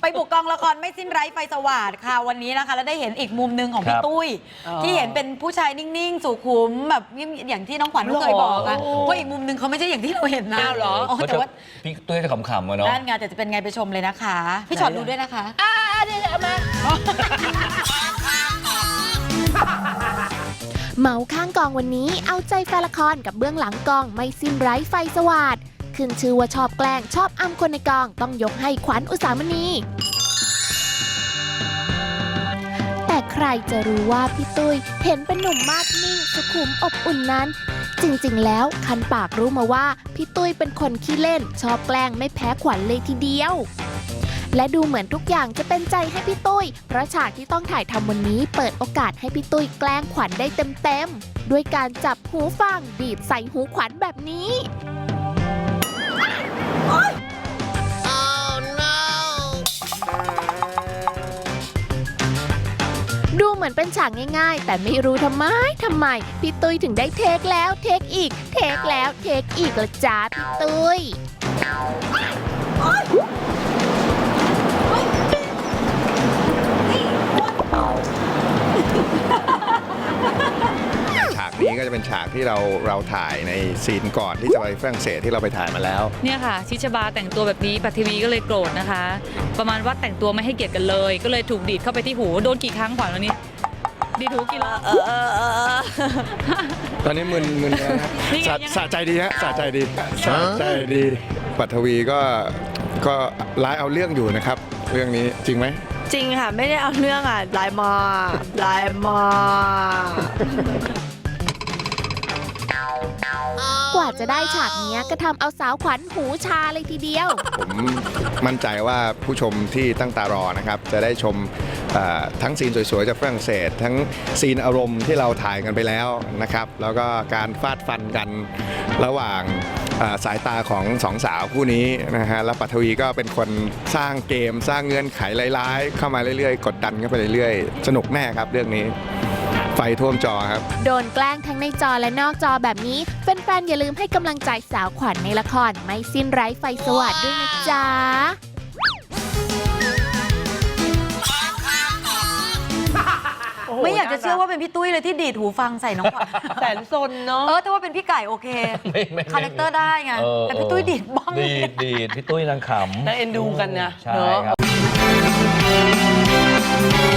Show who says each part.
Speaker 1: ไปบุกกองละครไม่สิ้นไร้ไฟสว่างค่ะวันนี้นะคะแล้วได้เห็นอีกมุมหนึ่งของพี่ตุ้ยที่เห็นเป็นผู้ชายนิ่งๆสุขุมแบบอย่างที่น้องขวัญเคยบอกอะว่าอีกมุมหนึ่งเขาไม่ใช่อย่างที่เราเห็นนะ
Speaker 2: เหรอ
Speaker 1: แต่ว่า
Speaker 3: พี่ตุ้ยจะขำๆเนาะ
Speaker 1: ด้านงานแต่จะเป็นไงไปชมเลยนะคะพี่ชอตดูด้วยนะคะ
Speaker 2: เดี๋ยวมา
Speaker 4: เมาข้างกองวันนี้เอาใจแฟนละครกับเบื้องหลังกองไม่สิ้นไร้ไฟสว่างขึ้นชื่อว่าชอบแกล้งชอบอำคนในกองต้องยกให้ขวัญอุสามณีแต่ใครจะรู้ว่าพี่ตุ้ยเห็นเป็นหนุ่มมาดนิ่งสุขุมอบอุ่นนั้นจริงๆแล้วคันปากรู้มาว่าพี่ตุ้ยเป็นคนขี้เล่นชอบแกล้งไม่แพ้ขวัญเลยทีเดียวและดูเหมือนทุกอย่างจะเป็นใจให้พี่ตุ้ยเพราะฉากที่ต้องถ่ายทำวันนี้เปิดโอกาสให้พี่ตุ้ยแกล้งขวัญได้เต็มๆด้วยการจับหูฟังบีบใส่หูขวัญแบบนี้ดูเหมือนเป็นฉากง่ายๆแต่ไม่รู้ทำไมพี่ตุ้ยถึงได้เทคแล้วเทคอีกเทคแล้วเทคอีกละจ้าพี่ตุ้ย
Speaker 5: ฉากนี้ก็จะเป็นฉากที่เราถ่ายในซีนก่อนที่จะไปฝรั่งเศสที่เราไปถ่ายมาแล้ว
Speaker 6: เนี่ยค่ะชิชบาแต่งตัวแบบนี้ปัทวีก็เลยโกรธนะคะประมาณว่าแต่งตัวไม่ให้เกียรติกันเลยก็เลยถูกดีดเข้าไปที่หูโดนกี่ครั้งขวัญวันนี้ดีดหูกี่รอบ
Speaker 5: ตอนนี้มึนนะสะใจดีฮะสะใจดีปัทวีก็ร้ายเอาเรื่องอยู่นะครับเรื่องนี้จริงไหม
Speaker 2: จริงค่ะไม่ได้เอาเรื่องอ่ะลายม
Speaker 4: ากว่าจะได้ฉากนี้ก็ทำเอาสาวขวัญหูชาเลยทีเดียว
Speaker 5: ผมมั่นใจว่าผู้ชมที่ตั้งตารอนะครับจะได้ชมทั้งซีนสวยๆจากฝรั่งเศสทั้งซีนอารมณ์ที่เราถ่ายกันไปแล้วนะครับแล้วก็การฟาดฟันกันระหว่างสายตาของสองสาวคู่นี้นะฮะแล้วปัทวีก็เป็นคนสร้างเกมสร้างเงื่อนไขร้ายๆเข้ามาเรื่อยๆกดดันกันไปเรื่อยๆสนุกแน่ครับเรื่องนี้ไฟท่วมจอครับ
Speaker 4: โดนแกล้งทั้งในจอและนอกจอแบบนี้แฟนๆอย่าลืมให้กำลังใจสาวขวัญในละครไม่สิ้นไร้ไฟสว่างด้วยนะจ๊ะ
Speaker 1: ไม่อยากจะเชื่อว่าเป็นพี่ตุ้ยเลยที่ดีดหูฟังใส่น้องขวัญ
Speaker 2: แสนซนเนาะ
Speaker 1: ถ้าว่าเป็นพี่ไก่โอเคคาแรคเตอร์ได้ไงแต่พี่ตุ้ยดีดบ้อง
Speaker 3: ดีดพี่ตุ้ยนางขำ
Speaker 2: น่าเอ็นดูกันนะ
Speaker 3: ใช่ครับ